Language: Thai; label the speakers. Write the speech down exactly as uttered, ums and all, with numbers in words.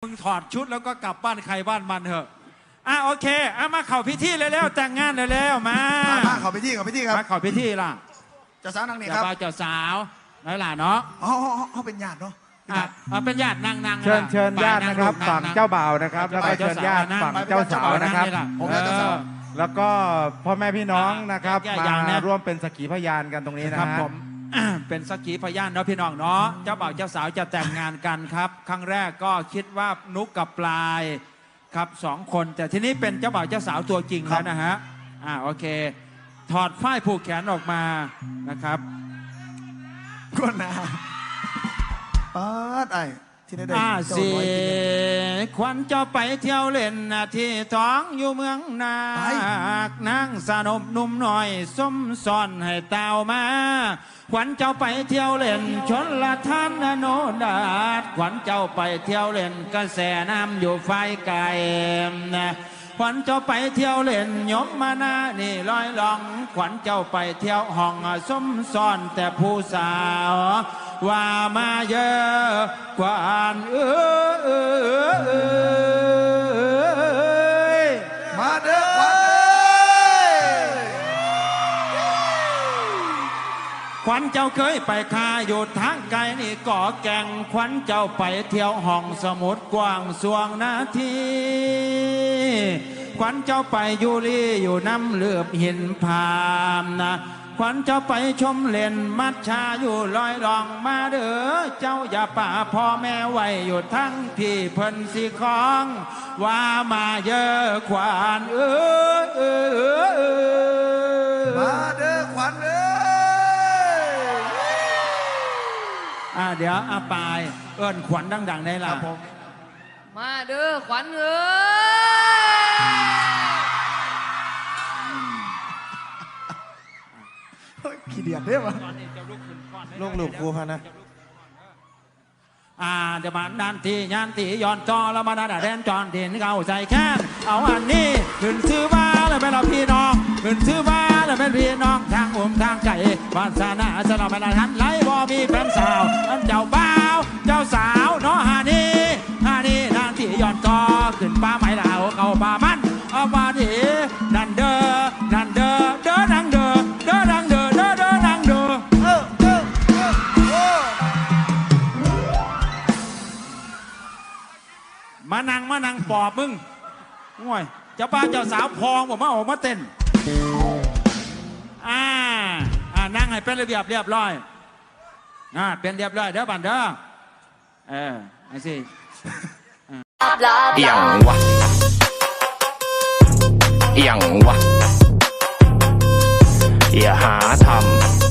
Speaker 1: งถอดชุดแล้วก็กลับบ้านใครบ้านมันเถอะอ่ะโอเคอ่ะมาเข่าพิธีเลยแล้วแต่งงานเลยแล้วมา
Speaker 2: มาขอพิธีขอพิธีครับ
Speaker 1: มาเข่าพิธีล่ะ
Speaker 2: เจ้าสาวนางนี่ครับ
Speaker 1: เจ้าสาวน้อยหล่ะเนาะ
Speaker 2: อ๋อเขาเป็นญาติเนาะ
Speaker 1: อ่ะเป็นญาตินางนาง
Speaker 3: เชิญเชิญญาตินะครับฝั่งเจ้าบ่าวนะครับแล้วก็เชิญญาติฝั่งเจ้าสาวนะครับแล้วก็พ่อแม่พี่น้องนะครับมาร่วมเป็นสักขีพยานกันตรงนี้นะครับ
Speaker 1: ผมเป็นสักขีพยานเนาะพี่น้องเนาะเจ้าบ่าวเจ้าสาวจะแต่งงานกันครับครั้งแรกก็คิดว่านุกกับปลายครับสองคนแต่ทีนี้เป็นเจ้าบ่าวเจ้าสาวตัวจริงแล้วนะฮะอ่าโอเคถอดฝ้ายผูกแขนออกมานะครับ
Speaker 2: ก้นนาป๊าดไอ้ที่ได้ได้
Speaker 1: เสียควันเจ้าไปเที่ยวเล่นที่ท้องอยู่เมืองนาคนั่งสนมนุ่มหน่อยส้มซ่อนให้เต่ามาขวัญเจ้าไปเที่ยวเล่นชนละท่านโนดาดขวัญเจ้าไปเที่ยวเล่นกระแสน้ำอยู่ไฟไก่นะขวัญเจ้าไปเที่ยวเล่นยมมานานี่ลอยลองขวัญเจ้าไปเที่ยวห้องส้มซ่อนแต่ผู้สาวว่ามาเยอะกว่าอันเอ้ย
Speaker 2: มาเด้อขวัญ
Speaker 1: ขวัญเจ้าเคยไปคาอยู่ทางไกลนี่ก่อแก่งขวัญเจ้าไปเที่ยวห้องสมุดกว้างสวงนาทีขวัญเจ้าไปยูรีอยู่น้ำเลือบหินพามนะขวัญเจ้าไปชมเล่นมัดชาอยู่ลอยรองมาเด้อเจ้าอย่าป่าพ่อแม่ไว้อยู่ทั้งพี่เพิ่นสีของว่ามาเยอะขวัญเอ้ยเอ้ย
Speaker 2: มาเด้อขวัญเอ้ย
Speaker 1: อ่าเดี๋ยวอาปายเอิ้นขวัญดังๆได้ล่ะ
Speaker 4: มาเด้อขวัญเอ้
Speaker 2: ยขี้เดียดได้ปะ
Speaker 3: ลูกหลูกครูพะนะ
Speaker 1: อ่าเดี๋ยวมาดันทียันตีย้อนจอแล้วมาดันแดนจอนดินเขาใส่แค้นเอาอันนี้ขึ้นชื่อบ้าแล้วเป็นเราพี่น้องขึ้นชื่อบ้าแล้วเป็นพี่น้องทางอุ้มทางไก่วาสนาจะเราเป็นทันไหลบ่มีแฟนสาวอันเจ้าบ่าวเจ้าสาวเนาะฮานี่ฮานี่ดันทีย้อนจอขึ้นป้าไม้เหล่าเข้าป่ามันเอามาดีนันเด้อนันเด้อเด้อนังเด้อเด้อนังเด้อเด้อเด้อนังเด้อมานั่งมานั่งปอบมึงง่วยเจ้าป้าเจ้าสาวพองบอกมาออกมาเต้นอ่าอ่านั่งให้เป็นระเบียบเรียบร้อยอ่าเป็นเรียบร้อยเด้อบันเด้อเออไอ้สิ
Speaker 5: อย่างวะอย่างวะอย่าหาทำ